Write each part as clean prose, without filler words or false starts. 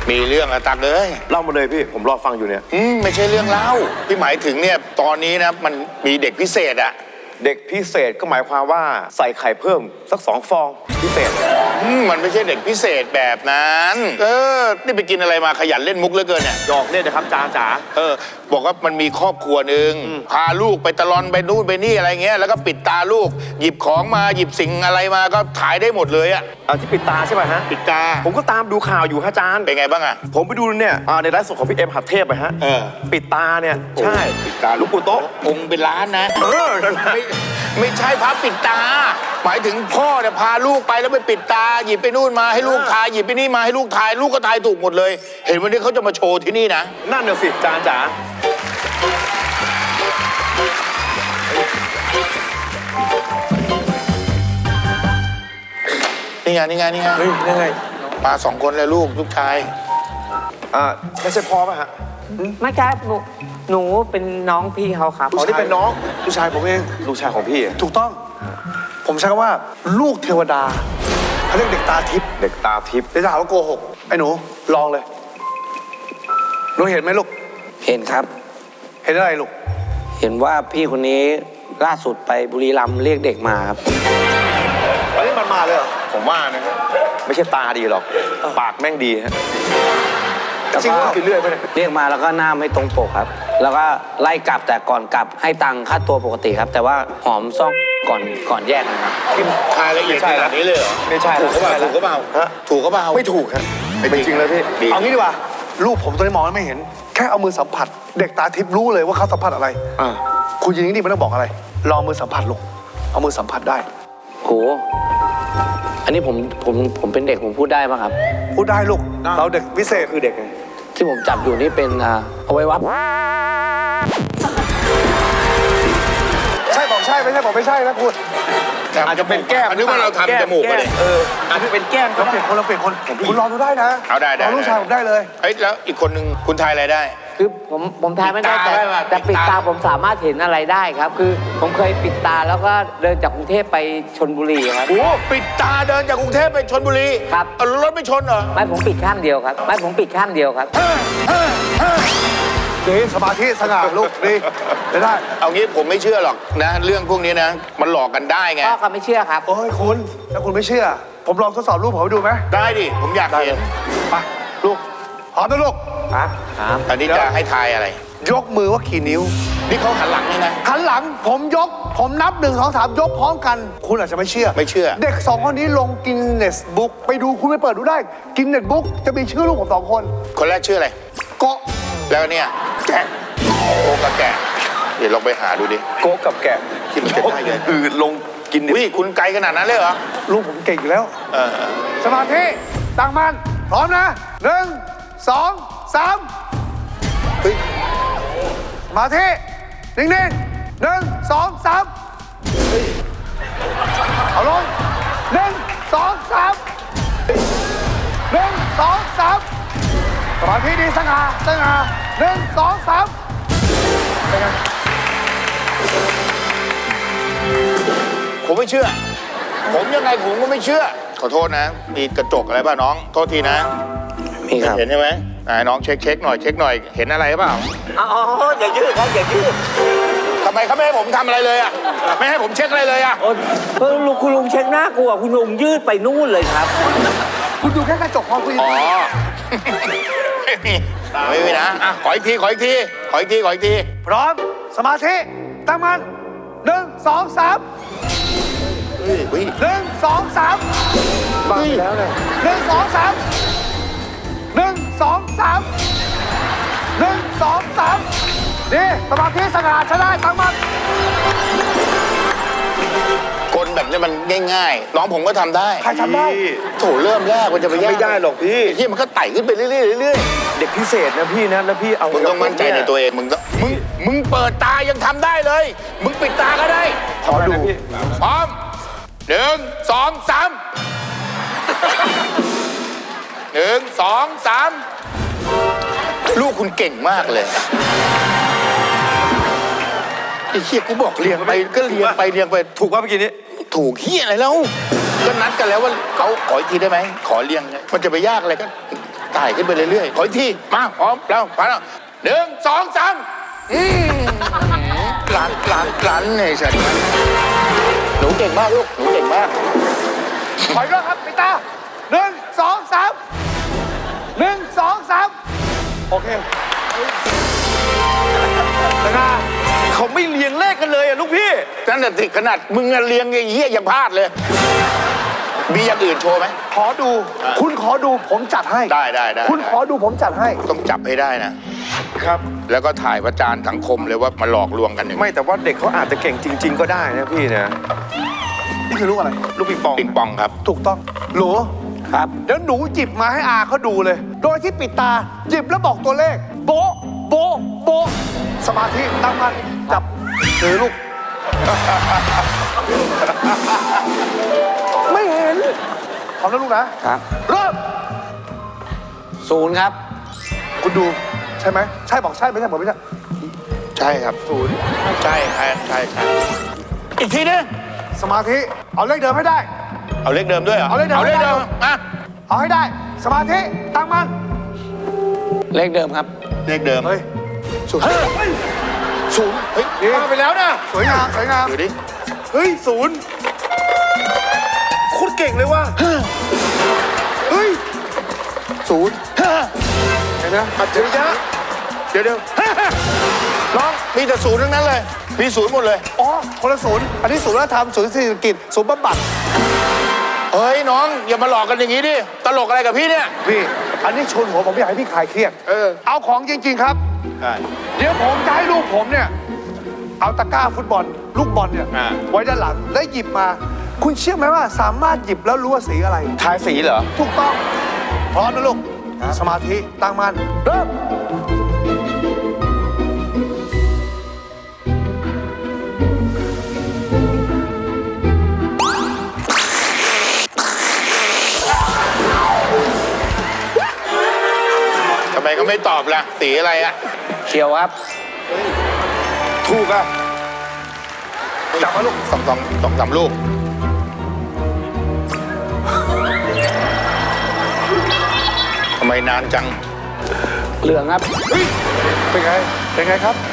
มีเรื่องอะตักเลยเล่ามาเลยพี่ผมรอฟังอยู่เนี่ยไม่ใช่เรื่องเล่าพี่หมายถึงเนี่ยตอนนี้นะมันมีเด็กพิเศษอะเด็กพิเศษก็หมายความว่าใส่ไข่เพิ่มสัก2 ฟองพิเศษมันไม่ใช่เด็กพิเศษแบบนั้นนี่ไปกินอะไรมาขยันเล่นมุกเหลือเกินเนี่ยหยอกเล่นนะครับจ๋าบอกว่ามันมีครอบครัวหนึ่งพาลูกไปตะลอนไปนู่นไปนี่อะไรเงี้ยแล้วก็ปิดตาลูกหยิบของมาหยิบสิ่งอะไรมาก็ถ่ายได้หมดเลยอะที่ปิดตาใช่ป่ะฮะปิดตาผมก็ตามดูข่าวอยู่ฮะอาจารย์เป็นไงบ้างอะผมไปดูเนี่ยในไลฟ์สดของพี่เอ็มหัดเทพไปฮะปิดตาเนี่ยใช่ปิดตาลูกปู่โต๊ะองค์เป็นล้านนะนั่นนะไม่ใช่พระปิดตา หมายถึงพ่อเนี่ยพาลูกไปแล้วไปปิดตาหยิบไปนู่นมาให้ลูกทายหยิบไปนี่มาให้ลูกทายลูกก็ทายถูกหมดเลย เห็นวันนี้เขาจะมาโชว์ที่นี่นะนั่นน่ะสิอาจารย์จ๋านี่ไงนี่ไงนี่ไงเฮ้ยยังไงมา2 คนเลยลูกชายไม่ใช่พ่อป่ะฮะไม่ครับหนูเป็นน้องพี่เขาครับอ๋อนี่เป็นน้องลูกชายผมเองลูกชายของพี่อะถูกต้อง ผมใช้คำว่าลูกเทวดาเขาเรียกเด็กตาทิพย์เด็กตาทิพย์เดี๋ยวจะหาว่าโกหกไอ้หนูลองเลยหนูเห็นไหมลูกเห็นครับเห็นอะไรลูกเห็นว่าพี่คนนี้ล่าสุดไปบุรีรัมย์เรียกเด็กมาครับอันนี้มันมาเลยเหรอผมว่านะฮะไม่ใช่ตาดีหรอกปากแม่งดีฮะจริงเหรอกินเรื่อยไปเนี่ยเรียกมาแล้วก็หน้าไม่ตรงปกครับ แล้วก็ไล่กลับแต่ก่อนกลับให้ตังค่าตัวปกติครับ แต่ว่าหอมซ่องก่อนแยกนะครับทายละเอียดขนาดนี้เลยเหรอไม่ใช่ถูกก็เปล่าถูกก็เปล่าฮะถูกก็เปล่าไม่ถูกครับเป็นจริงเลยพี่ดีเอางี้ดีกว่าลูกผมตอนนี้มองแล้วไม่เห็น แค่เอามือสัมผัส เด็กตาทิพย์รู้เลยว่าเขาสัมผัสอะไร คุณยิงนี่ไม่ต้องบอกอะไรลองมือสัมผัสลูกเอามือสัมผัสได้โห อันนี้ผมเป็นเด็กผมพูดได้ป่ะครับพูดได้ลูกเราเด็กพิเศษคือเด็กไงที่ผมจับอยู่นี่เป็นเอาไว้วัดใช่บอกใช่ไม่ใช่บอกไม่ใช่นะคุณอาจจะเป็นแก้มนึกว่าเราทำจมูกมาเลยอาจจะเป็นแก้มก็เราเปได้ลี่ยนคนเราเปลี่ยนคนคุณลองดูได้นะเอาได้ลองลูกชายผมได้เลยเฮ้ยแล้วอีกคนนึงคุณทายอะไรได้คือผมทายไม่ได้ปิดตาได้ป่ะแต่ปิปิดดตาตาผมสามารถเห็นอะไรได้ครับ คือผมเคยปิดตาแล้วก็เดินจากกรุงเทพไปชลบุรีครับโอ้ปิดตาเดินจากกรุงเทพไปชลบุรีครับเอารถไม่ชนเหรอไม่ผมปิดข้างเดียวครับไม่ผมปิดข้างเดียวครับดีสมาธิสง่าลูกดีได้เอางี้ผมไม่เชื่อหรอกนะ เรื่องพวกนี้นะ มันหลอกกันได้ไงพ่อก็ไม่เชื่อครับโอ้ยคุณถ้าคุณไม่เชื่อ ผมลองทดสอบรูปผมให้ดูไหมได้ดิผมอยากเห็นไปลูกพร้อมนะลูกครับอันนี้จะให้ทายอะไรยกมือว่ากี่นิ้วนี่เขาหันหลังนี่นะหันหลังผมยก ผมนับ1 2 3ยกพร้อมกัน คุณอาจจะไม่เชื่อไม่เชื่อเด็ก2 คนนี้ลงกินเนสบุ๊กไปดูคุณไปเปิดดูได้ กินเนสบุ๊กจะมีชื่อลูกผม2 คนคนแรกชื่ออะไรเกาะแล้วเนี่ยแกะโอ้กับแกะเดี๋ยวลองไปหาดูดิโก๊กกับแกะที่มันจะได้เลยอืดลงกินดิวิคุณไกลขนาดนั้นเลยเหรอลูกผมเก่งอยู่แล้วเออสมาธิตั้งมันพร้อมนะ1 2 3 เฮ้ยสมาธินิ่งๆ1 2 3เอาลง1 2 3 1 2 3สมาธิดีสง่า1 2 3เป็นไงผมไม่เชื่อ ผมยังไงผมก็ไม่เชื่อ ขอโทษนะ มีกระจกอะไรป่ะน้อง โทษทีนะมีครับเห็นใช่ไหมน้องเช็คหน่อยเช็คหน่อย เห็นอะไรเปล่าอ๋ออย่ายืดครับอย่ายืดทำไมเขาไม่ให้ผมทำอะไรเลยอ่ะ ไม่ให้ผมเช็คอะไรเลยอ่ะโอ้คุณลุงเช็คหน้ากลัวคุณลุงยืดไปนู่นเลยครับคุณดูแค่กระจกพอคุณอ๋อ ไม่มีนะอ่ะขออีกที ขออีกที ขออีกที ขออีกทีพร้อมสมาธิตั้งมัน1 2 3 เฮ้ย 1 2 3 บ้าไปแล้วเนี่ย 1 2 3 1 2 3 1 2 3นี่สมาธิสง่าใช้ได้ตั้งมันกลแบบนี้มันง่ายๆ น้องผมก็ทำได้ใครทำได้โถเริ่มแรกมันจะไปยากไม่ได้หรอกพี่ไอ้ที่มันก็ไต่ขึ้นไปเรื่อยๆเรื่อยเด็กพิเศษนะพี่นะแล้วพี่เอาๆมึงต้องมั่นใจในตัวเอง มึงเปิดตายังทำได้เลย มึงปิดตาก็ได้ขอดูพี่พร้อม1 2 3 1 2 3ลูกคุณเก่งมากเลยไอ้เหี้ยกูบอกเรียงไปก็เรียงไปเรียงไปถูกว่าเมื่อกี้นี้ถูกเหี้ยอะไรแล้วก็นัดกันแล้วว่าเขาขออีกทีได้ไหมขอเรียงไงมันจะไปยากอะไรก็ไต่ขึ้นไปเรื่อยๆขออีกทีมาพร้อมแล้วไปแล้วหนึ่งสองสามหลานเนี่ยฉันหนูเก่งมากลูกหนูเก่งมากถอยรอบครับปิดตาหนึ่งสองสามหนึ่งสองสามโอเคนะเขาไม่เรียงเลขกันเลยอะลูกพี่นั่นน่ะสิขนาดมึงเลี้ยงไอ้เหี้ยยังพลาดเลย มีอย่างอื่นโชว์ไหมขอดู คุณขอดูผมจัดให้ได้คุณขอดูผมจัดให้ต้องจับให้ได้นะครับแล้วก็ถ่ายประจานสังคมเลยว่ามาหลอกลวงกันอย่างนี้ไม่แต่ว่าเด็กเขาอาจจะเก่งจริง ๆ ก็ได้นะพี่นะนี่คือลูกอะไรลูกปิงปองปิงปองครับถูกต้องหนูครับเดี๋ยวหนูหยิบมาให้อาเขาดูเลย โดยที่ปิดตา หยิบแล้วบอกตัวเลข โบ๊ะโบ๊ะโบ๊ะสมาธิตั้งมั่นจับถือลูก ไม่เห็นพร้อมแล้วลูกนะครับ เริ่ม 0 ครับคุณดูใช่ไหมใช่บอกใช่ไม่ใช่บอกไม่ใช่ใช่ครับใช่อีกทีนึงสมาธิเอาเลขเดิมให้ได้เอาเลขเดิมด้วยเหรอเอาเลขเดิมอ่ะเอาให้ได้ สมาธิตั้งมั่นเลขเดิมครับเลขเดิมเฮ้ยศูนย์ศูนย์เฮ้ยมาไปแล้วนะสวยงามสวยงามดูดิเฮ้ย0โคตรเก่งเลยว่ะเฮ้ยศูนย์เห็นไหมอัจฉริยะเดี๋ยวน้องมีแต่ศูนย์ทั้งนั้นเลยมีศูนย์หมดเลยอ๋อคนละศูนย์อันนี้ศูนย์วัฒนธรรมศูนย์เศรษฐกิจศูนย์บำบัดเฮ้ยน้องอย่ามาหลอกกันอย่างนี้ดิตลกอะไรกับพี่เนี่ยพี่อันนี้ชนหัวผมอยากให้พี่คลายเครียดเออเอาของจริง ๆ ครับใช่เดี๋ยวผมจะให้ลูกผมเนี่ย เอาตะกร้าฟุตบอล ลูกบอลเนี่ยอ่าไว้ด้านหลังแล้วหยิบมา คุณเชื่อไหมว่าสามารถหยิบแล้วรู้ว่าสีอะไรทายสีเหรอถูกต้องพร้อมนะลูกสมาธิตั้งมั่นเริ่มทำไมเขาไม่ตอบล่ะสีอะไรอะเขียวครับถูกอะจับมาลูกสองสามลูกทำไมนานจังเหลืองครับเป็นไง เป็นไงครับ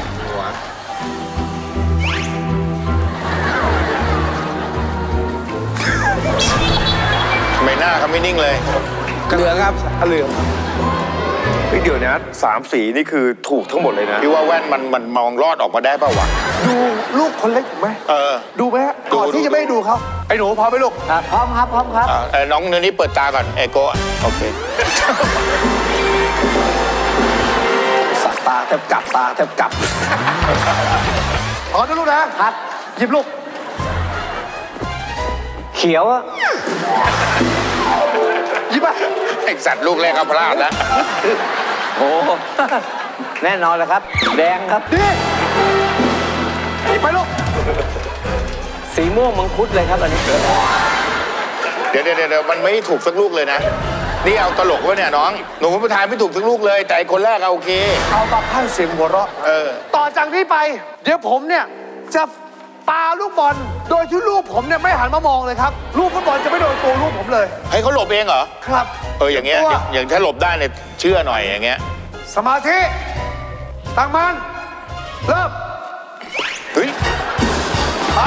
ทำไมหน้าเขาไม่นิ่งเลยเหลืองครับเหลืองเฮ้ยเดี๋ยวนะ3 สีนี่คือถูกทั้งหมดเลยนะพี่ว่าแว่นมันมองรอดออกมาได้ป่าวะดูลูกคนเล็กถูกไหมเออดูไหมฮะก่อนดูที่จะไม่ให้ดูเขาไอ้หนูพร้อมไหมลูกครับพร้อมครับพร้อมครับน้องเนื้อนี้เปิดตาก่อนไอโก้อะโอเคสัตาแทบกลับตาแทบกลับพร้อมนะลูกนะครับ หยิบลูกเขียวอะหยิบมาไอสัตว์ลูกแรกก็พลาดแล้วโอ้ แน่นอนเลยครับ แดงครับดิหยิบไปลูกสีม่วงมังคุดเลยครับอันนี้เดี๋ยวมันไม่ถูกสักลูกเลยนะ นี่เอาตลกวะเนี่ยน้อง หนูประทายไม่ถูกสักลูกเลย แต่ไอ้คนแรกเอาโอเคเอามาพันเสียงหัวเราะเออต่อจากนี้ไป เดี๋ยวผมเนี่ยจะปาลูกบอล โดยที่ลูกผมเนี่ยไม่หันมามองเลยครับ ลูกฟุตบอลจะไม่โดนตัวลูกผมเลยให้เขาหลบเองเหรอครับอย่างเงี้ยตัวอย่างถ้าหลบได้เนี่ยเชื่อหน่อยอย่างเงี้ยสมาธิ ตั้งมันเริ่มเฮ้ยไป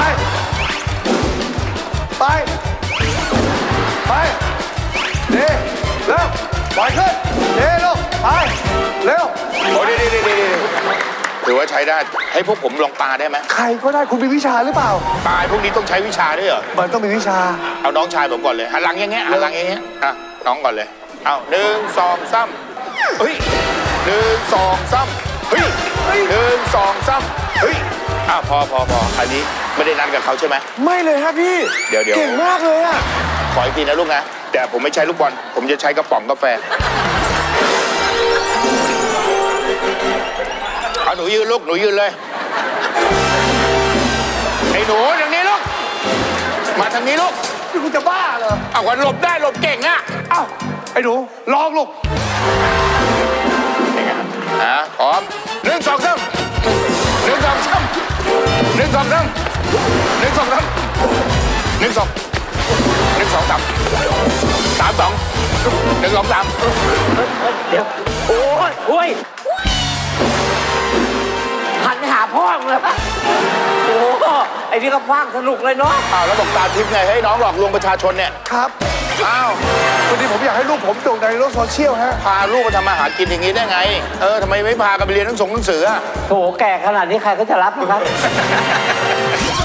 ไป ไปเด้เร็วปล่อยขึ้นเด้ลูกไป เร็วโอ้ยดีถือว่าใช้ได้ ให้พวกผมลองปาได้ไหมใครก็ได้คุณมีวิชาหรือเปล่าปาพวกนี้ต้องใช้วิชาด้วยเหรอมันต้องมีวิชาเอาน้องชายผมก่อนเลยหันหลังอย่างเงี้ยหันหลังอย่างเงี้ยอ่ะน้องก่อนเลย เอา1 2 3เฮ้ย1 2 3เฮ้ย1 2 3เฮ้ยพออันนี้ไม่ได้นัดกับเขาใช่ไหมไม่เลยฮะพี่เดี๋ยวเก่งมากเลยอะขออีกทีนะลูกนะ แต่ผมไม่ใช้ลูกบอล ผมจะใช้กระป๋องกาแฟ เอาหนูยืนลูก หนูยืนเลย ไอ้หนูทางนี้ลูก มาทางนี้ลูกนี่คุณจะบ้าเหรอเอาวันหลบได้หลบเก่งอะเอ้า ไอ้หนูลองลูกพร้อม1 2 3 1 2 3 1 2 3 1 2 3 1 2 1 2 สองสามสามสองหนึ่งสองสามเดี๋ยว โอ้ยหันไปหาพ่อมึงเลยปะโอ้โหไอ้นี่ก็ฟังสนุกเลยเนาะอ้าวแล้วบอกตาทิพย์ไงให้น้องหลอกลวงประชาชนเนี่ยครับอ้าววันนี้ผมอยากให้ลูกผมโด่งดังในโลกโซเชียลฮะพาลูกมาทำมาหากินอย่างนี้ได้ไงทำไมไม่พากันไปเรียนหนังสืออะโถแก่ขนาดนี้ใครก็จะรับนะครับ